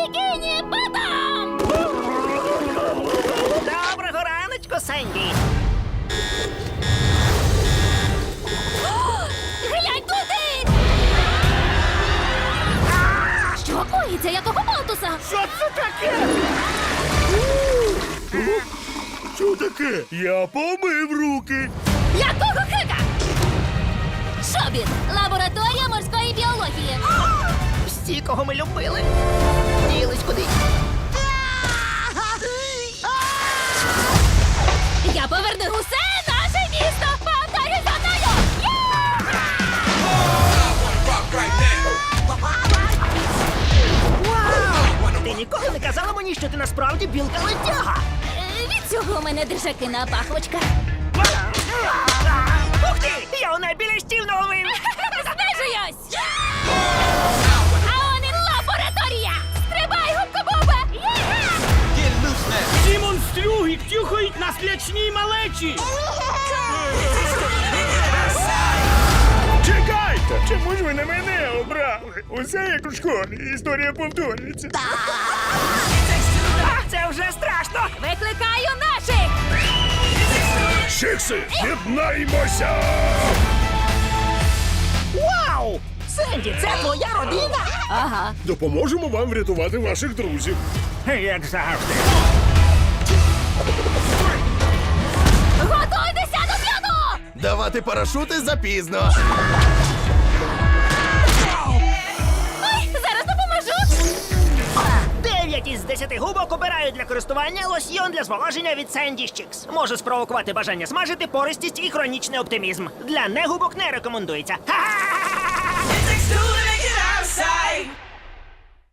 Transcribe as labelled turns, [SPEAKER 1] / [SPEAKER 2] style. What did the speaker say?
[SPEAKER 1] Бікіні Ботом!
[SPEAKER 2] Доброго раночку, Сенді.
[SPEAKER 1] Глянь туди! Що коїться? Якого болтуса?
[SPEAKER 2] Що це таке?
[SPEAKER 3] Що таке? Я помив руки.
[SPEAKER 1] Якого хика? Шобіт! Лабораторія морської біології.
[SPEAKER 2] Всі, кого ми любили, ділись кудись.
[SPEAKER 1] Я поверну усе наше місто! Повторюй за мною!
[SPEAKER 2] Ти ніколи не казала мені, що ти насправді білка-летяга.
[SPEAKER 1] Від цього у мене держакина пахвочка.
[SPEAKER 2] Ух ти! Я у найбільш стіл наловив!
[SPEAKER 1] Знижуюсь! А он і лабораторія! Стрибай, губка-боба!
[SPEAKER 4] Ці монстрюги тюхають на слячній малечі!
[SPEAKER 3] Чекайте! Чому ж ви на мене обрали? Усе як у школі. Історія повторюється.
[SPEAKER 2] Це вже страшно!
[SPEAKER 1] Викликаю наших!
[SPEAKER 3] Шикси, єднаймося!
[SPEAKER 2] Вау! Сенді, це твоя родина?
[SPEAKER 1] Ага.
[SPEAKER 3] Допоможемо вам врятувати ваших друзів.
[SPEAKER 2] Як завжди.
[SPEAKER 1] Готуйтеся до п'яну!
[SPEAKER 5] Давати парашути запізно.
[SPEAKER 1] Ой, зараз допоможу!
[SPEAKER 2] 9 із 10 губок обирають для користування лосьйон для зволоження від Sandy Chicks. Може спровокувати бажання смажити, пористість і хронічний оптимізм. Для негубок не рекомендується. Ха-ха!